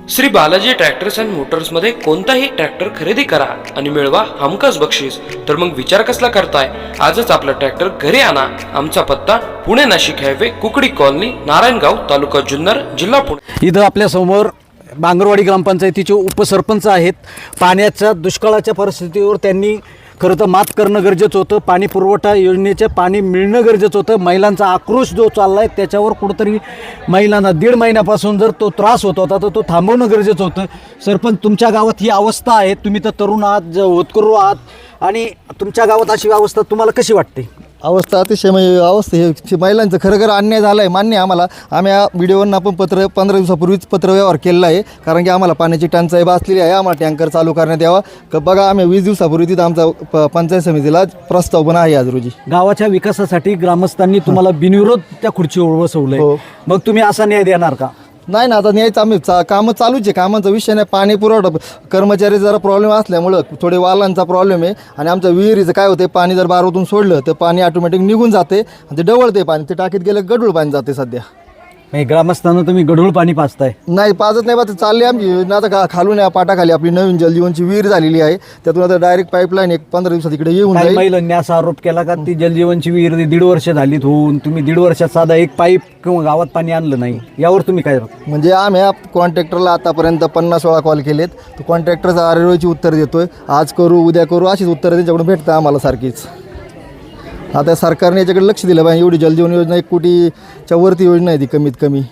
Shri Balaji tractors and मोटर्समध्ये कोणताही tractor खरेदी करा आणि मिळवा हमखास बक्षीस. तर मग विचार कसला करताय? आजच आपला ट्रॅक्टर घरी आणा. आमचा पत्ता पुणे नाशिक हायवे, कुकडी कॉलनी, नारायणगाव, तालुका जुन्नर, जिल्हा पुणे. इथं आपल्या समोर बांगरवाडी ग्रामपंचायतीचे उपसरपंच आहेत. पाण्याच्या दुष्काळाच्या परिस्थितीवर त्यांनी खरं तर मात करणं गरजेचं होतं. पाणी पुरवठा योजनेचे पाणी मिळणं गरजेचं होतं. महिलांचा आक्रोश जो चालला आहे त्याच्यावर कुठंतरी महिलांना 1.5 महिन्यापासून जर तो त्रास होत होता तर तो थांबवणं गरजेचं होतं. सरपंच, तुमच्या गावात ही अवस्था आहे, तुम्ही तर तरुण आहात, होतकरू आहात, आणि तुमच्या गावात अशी अवस्था तुम्हाला कशी वाटते? अवस्था अतिशय अवस्था हे महिलांचं खरं अन्याय झाला आहे, मान्य आहे आम्हाला. आम्ही या व्हिडिओवरून आपण 15 दिवसापूर्वीच पत्रव्यवहार केलेला आहे, कारण की आम्हाला पाण्याची टंचाई भासलेली आहे. आम्हाला टँकर चालू करण्यात यावा. बघा, आम्ही 20 दिवसापूर्वी तिथं आमचा पंचायत समितीला प्रस्ताव पण आहे आज रोजी. गावाच्या विकासासाठी ग्रामस्थांनी तुम्हाला बिनविरोध त्या खुर्चीवर बसवलंय. हो. मग तुम्ही असा न्याय देणार का? नाही ना, आता न्यायचं आम्ही कामं चालूच आहे. कामाचा विषय नाही. पाणी पुरवठा कर्मचारी जरा प्रॉब्लेम असल्यामुळं थोडे वालांचा प्रॉब्लेम आहे. आणि आमच्या विहिरीचं काय होते, पाणी जर बारातून सोडलं तर पाणी ऑटोमॅटिक निघून जाते आणि ते डवळते पाणी. ते टाकीत गेलं गढूळ पाणी जाते. सध्या ग्रामस्थांना तुम्ही गढूळ पाणी पाजताय? नाही, पाजत नाही. पाहत चालली आमची योजना. आता खालून या पाटाखाली आपली नवीन जलजीवनची विहीर झालेली आहे. त्यातून आता डायरेक्ट पाईपलाईन 15 दिवसात इकडे येऊन जाईल. महिलांनी असा आरोप केला का ती जलजीवनची विहीर 1.5 वर्ष झालीत होऊन तुम्ही 1.5 वर्षात साधा एक पाईप किंवा गावात पाणी आणलं नाही, यावर तुम्ही काय? म्हणजे आम्ही कॉन्ट्रॅक्टरला आतापर्यंत 50-16 कॉल केलेत. तो कॉन्ट्रॅक्टरचा आरेरोची उत्तर देतोय, आज करू उद्या करू अशीच उत्तरं त्यांच्याकडून भेटतं आम्हाला सारखीच. आता सरकारने याच्याकडे लक्ष दिलं पाहिजे. एवढी जलजीवन योजना 1 कोटीच्या वरती योजना आहे ती, कमीत कमी.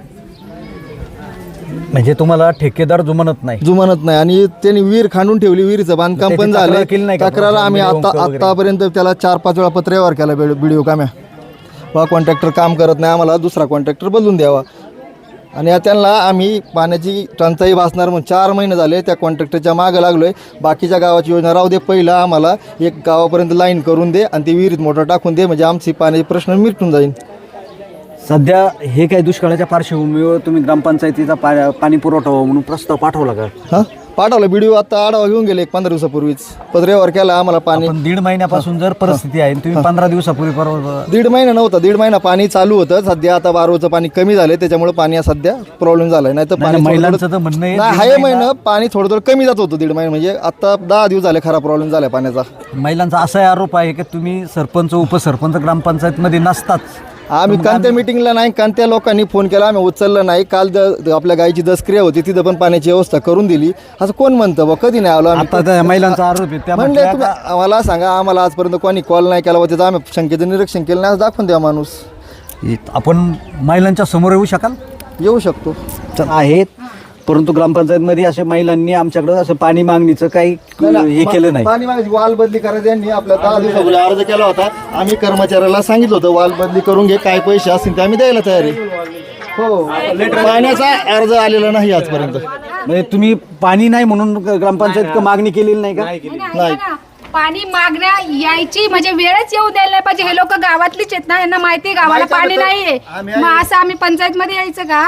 म्हणजे तुम्हाला ठेकेदार जुमानत नाही आणि त्यांनी विहीर खांडून ठेवली. विहिरीचं बांधकाम पण झालं. तक्रार आम्ही आतापर्यंत त्याला 4-5 वेळा पत्रव्यवहार केला व्हिडिओ काम्या. वा कॉन्ट्रॅक्टर काम करत नाही, आम्हाला दुसरा कॉन्ट्रॅक्टर बदलून द्यावा. आणि त्यांना आम्ही पाण्याची टंचाई भासणार म्हणून 4 महिने झाले त्या कॉन्ट्रॅक्टरच्या मागं लागलो आहे. बाकीच्या गावाची योजना राहू दे, पहिलं आम्हाला एक गावापर्यंत लाईन करून दे आणि ती विहिरीत मोटर टाकून दे, म्हणजे आमची पाण्याचे प्रश्न मिटून जाईल. सध्या हे काय दुष्काळाच्या पार्श्वभूमीवर तुम्ही ग्रामपंचायतीचा पाणी पुरवठा म्हणून प्रस्ताव पाठवला का? हां, पाठवला. व्हिडिओ आता आढावा घेऊन गेले 15 दिवसापूर्वीच. पत्रव्यवहार केला आम्हाला. पाणी 1.5 महिन्यापासून जर परिस्थिती आहे, तुम्ही 15 दिवसापूर्वी 1.5 महिना नव्हता, 1.5 महिना पाणी चालू होतं. सध्या आता बारोचं पाणी कमी झालं, त्याच्यामुळे पाणी सध्या प्रॉब्लेम झालाय. नाही तर पाणी महिलांचं तर म्हणणं आहे आहे महिना पाणी थोडं कमी जात होतं 1.5 महिना. म्हणजे आता 10 दिवस झाले खरा प्रॉब्लेम झाला पाण्याचा. महिलांचा असा आरोप आहे की तुम्ही सरपंच उपसरपंच ग्रामपंचायतमध्ये नसताच. आम्ही कोणत्या मिटिंगला नाही, कोणत्या लोकांनी फोन केला आम्ही उचललं नाही. काल आपल्या गायची दसक्रिया होती, तिथं पण पाण्याची व्यवस्था करून दिली. असं कोण म्हणतं बा? कधी नाही आलो आम्ही. महिलांचा आरोप आहे म्हणजे आम्हाला सांगा, आम्हाला आजपर्यंत कोणी कॉल नाही केला, त्याचं आम्ही शंकेचं निरीक्षण केलं नाही. दाखवून द्या माणूस. आपण महिलांच्या समोर येऊ शकाल? येऊ शकतो. आहेत, परंतु ग्रामपंचायतमध्ये अशा महिलांनी आमच्याकडे असं पाणी मागणीचं काही हे केलं नाही. पाणी मागायची वाल बदली करायची यांनी आपल्या 10 दिवसापूर्वी अर्ज केला होता. आम्ही कर्मचाऱ्याला सांगितलं होतं वाल बदली करून घे, काय पैसे असतील ते आम्ही द्यायला तयार आहे. हो, पाण्याचा अर्ज आलेला नाही आजपर्यंत. म्हणजे तुम्ही पाणी नाही म्हणून ग्रामपंचायत मागणी केलेली नाही का? नाही. पाणी मागण्या यायची म्हणजे वेळच येऊ द्यायला नाही पाहिजे. हे लोक गावातलीच आहेत ना, यांना माहिती आहे गावाला पाणी नाहीये. मग असं आम्ही पंचायत मध्ये यायचं का?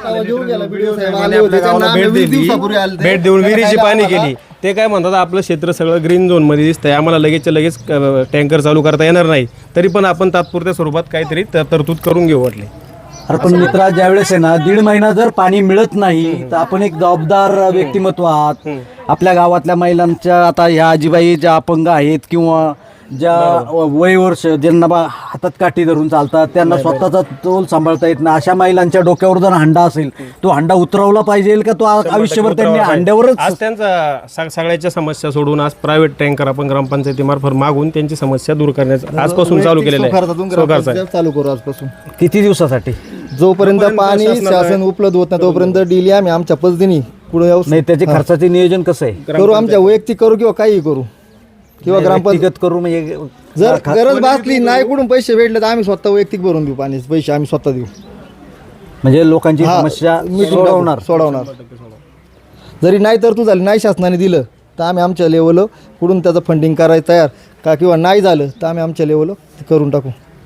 भेट देऊन विहिरीची पाणी केली. ते काय म्हणतात, आपलं क्षेत्र सगळं ग्रीन झोन मध्ये दिसतंय, आम्हाला लगेच टँकर चालू करता येणार नाही, तरी पण आपण तात्पुरत्या स्वरूपात काहीतरी तरतूद करून घेऊ वाटले. अरे पण मित्रा, ज्यावेळेस आहे ना 1.5 महिना जर पाणी मिळत नाही तर आपण एक जबाबदार व्यक्तिमत्व आहात. आपल्या गावातल्या महिलांच्या, आता ह्या आजीबाई ज्या अपंग आहेत किंवा ज्या वय वर्ष ज्यांना हातात काठी धरून चालतात, त्यांना स्वतःचा तोल सांभाळता येत नाही, अशा महिलांच्या डोक्यावर जर हंडा असेल, तो हंडा उतरवला पाहिजे का? तो आयुष्यभर त्यांनी हंड्यावरच. आज त्यांचा सगळ्याच्या समस्या सोडून आज प्रायव्हेट टँकर आपण ग्रामपंचायतीमार्फत मागून त्यांची समस्या दूर करण्याचं आजपासून चालू केलेलं आहे. चालू करू आजपासून. किती दिवसासाठी? जोपर्यंत पाणी शासन उपलब्ध होत नाही तोपर्यंत डेली आम्ही आमच्या पद्धतीने पुढे नाही. त्याचे खर्चाचे नियोजन कसं आहे? करू, आमच्या वैयक्तिक करू किंवा काही करू किंवा ग्रामपंचायत करू. म्हणजे जर गरज भासली नाही, कुठून पैसे भेटले तर आम्ही स्वतः वैयक्तिक भरून देऊ. पाण्याचे पैसे आम्ही स्वतः देऊ. म्हणजे लोकांची समस्या सोडवणार. जरी नाही तर तू झाली नाही शासनाने दिलं तर आम्ही आमच्या लेवल कुठून त्याचं फंडिंग करायचं तयार का, किंवा नाही झालं तर आम्ही आमच्या लेवल करून टाकू.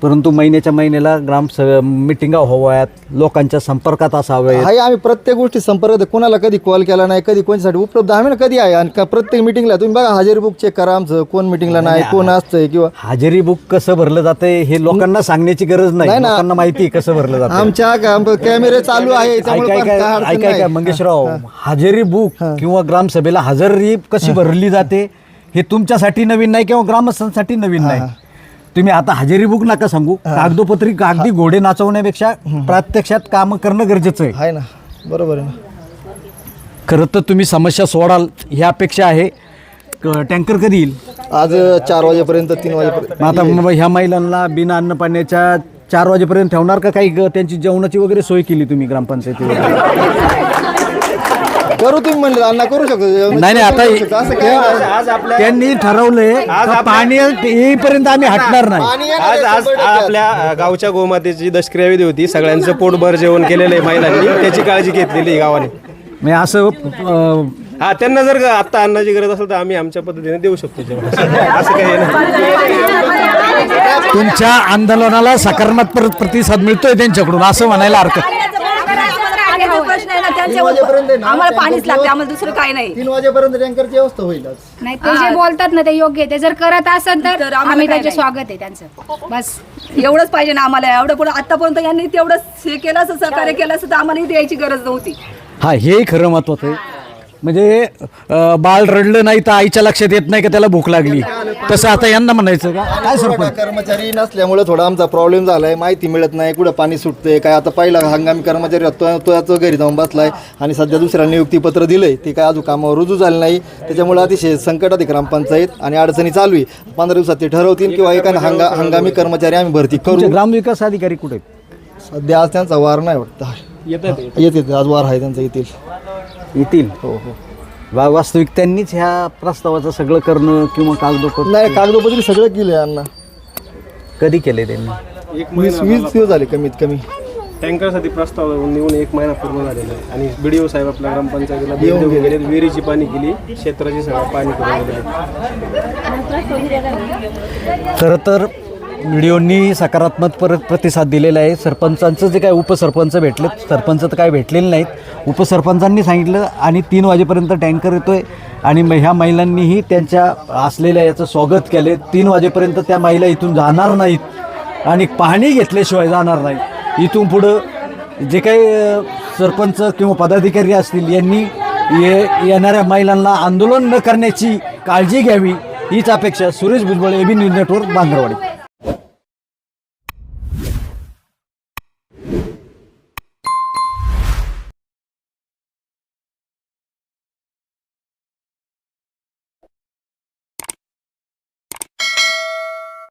परंतु महिन्याच्या महिन्याला मिटिंगा व्हाव्यात, लोकांच्या संपर्कात असाव्यात. आहे आम्ही प्रत्येक गोष्टी संपर्कात, कोणाला कधी कॉल केला नाही, कधी कोणासाठी उपलब्ध आम्ही ना कधी आहे. आणि प्रत्येक मिटिंगला तुम्ही बघा हजेरी बुक चेक करा आमचं, कोण मिटिंगला नाही, कोण असतंय किंवा हजेरी बुक कसं भरलं जातंय हे लोकांना सांगण्याची गरज नाही, लोकांना माहिती आहे कसं भरलं जातं. आमच्या कॅमेरे चालू आहे त्यामुळे पण काय अडचण ऐकाय नाही. मंगेशराव, हजेरी बुक किंवा ग्रामसभेला हजेरी कशी भरली जाते हे तुमच्यासाठी नवीन नाही किंवा ग्रामस्थांसाठी नवीन नाही. तुम्ही आता हजेरी बुक नका सांगू, कागदोपत्री कागदी घोडे नाचवण्यापेक्षा प्रत्यक्षात काम करणं गरजेचं आहे. आहे ना, बरोबर आहे ना. खरं तर तुम्ही समस्या सोडाल ह्या अपेक्षा आहे. टँकर कधी येईल? आज 4 वाजेपर्यंत 3 वाजेपर्यंत. मग आता ह्या महिलांना बिना अन्न पाण्याच्या 4 वाजेपर्यंत ठेवणार का? काही त्यांची जेवणाची वगैरे सोय केली तुम्ही ग्रामपंचायतीवर? करू तुम्ही म्हणलं अण्णा करू शकतो. नाही आता असं काय नाही. त्यांनी ठरवलंय का पाणी येईपर्यंत आम्ही हटणार नाही. पाणी येणार आज आहे, आज 100% आपल्या गावच्या गोमातेची दशक्रिया विधी होती. सगळ्यांचं पोटभर जेवण केलेलं आहे महिलांनी, त्याची काळजी घेतलेली आहे गावाने. मी असं हा, त्यांना जर आता अन्नाची गरज असेल तर आम्ही आमच्या पद्धतीने देऊ शकतो जेवण. असं काही नाही. तुमच्या आंदोलनाला सकारात्मक प्रतिसाद मिळतोय त्यांच्याकडून असं म्हणायला हरकत. प्रश्न आहे ना 3 त्यांच्या, वाजेपर्यंत आहे ना, आम्हाला पाणीच लागते, आम्हाला दुसरं काही नाही. 3 वाजेपर्यंत टँकरची व्यवस्था होईल आज. नाही ते जे बोलतात ना ते योग्य आहे. ते जर करत असेल तर तर आम्हाला आम्ही काय त्याचे नाही. स्वागत आहे त्यांचं. बस एवढंच पाहिजे ना आम्हाला. एवढं पुढे आतापर्यंत यांनी तेवढंच हे केलं असं, सहकार्य केलं असं तर आम्हाला द्यायची गरज नव्हती. हा, हेही खरं महत्वाचं आहे. म्हणजे बाळ रडलं नाही तर आईच्या लक्षात येत नाही का त्याला भूक लागली, तसं आता यांना म्हणायचं का? काय सरपंच? कर्मचारी नसल्यामुळे थोडा आमचा प्रॉब्लेम झालाय. माहिती मिळत नाही, कुठं पाणी सुटतंय काय. आता पहिला हंगामी कर्मचारी तो घरी जाऊन बसलाय आणि सध्या दुसऱ्या नियुक्तीपत्र दिलंय, ते काय अजून कामावर रुजू झालं नाही. त्याच्यामुळे अतिशय संकटात आहे ग्रामपंचायत आणि अडचणी चालू आहे. 15 दिवसात ते ठरवतील किंवा एका हंगामी कर्मचारी आम्ही भरती तुमचे करू. ग्रामविकास अधिकारी कुठे आहेत? सध्या आज त्यांचा वार नाही वाटतं. येते आज वार आहे त्यांचा, येतील. येतील. हो हो. वास्तविक त्यांनीच ह्या प्रस्तावाचं सगळं करणं किंवा कागदोपत्र नाही, कागदोपत्री सगळं केलंय अण्णा. कधी केले त्यांनी? 20 दिवस झाले कमीत कमी. टँकरसाठी प्रस्ताव निघून 1 महिना पूर्ण झालेला आहे आणि BDO साहेब आपल्या ग्रामपंचायतीला भेट देऊन गेले. विहिरीची पाणी केली, क्षेत्राची सगळं पाणी करून गेले. खरं तर व्हिडिओनी सकारात्मक प्रतिसाद दिलेला आहे. सरपंचांचं जे काय उपसरपंच भेटले, सरपंच तर काय भेटलेले नाहीत. उपसरपंचांनी सांगितलं आणि 3 वाजेपर्यंत टँकर येतोय आणि ह्या महिलांनीही त्यांच्या असलेल्या याचं स्वागत केले. 3 वाजेपर्यंत त्या महिला इथून जाणार नाहीत आणि पाणी घेतल्याशिवाय जाणार नाहीत. इथून पुढं जे काही सरपंच किंवा पदाधिकारी असतील यांनी येणाऱ्या महिलांना आंदोलन न करण्याची काळजी घ्यावी हीच अपेक्षा. Suresh Bhujbal, AB news network, बांगरवाडी.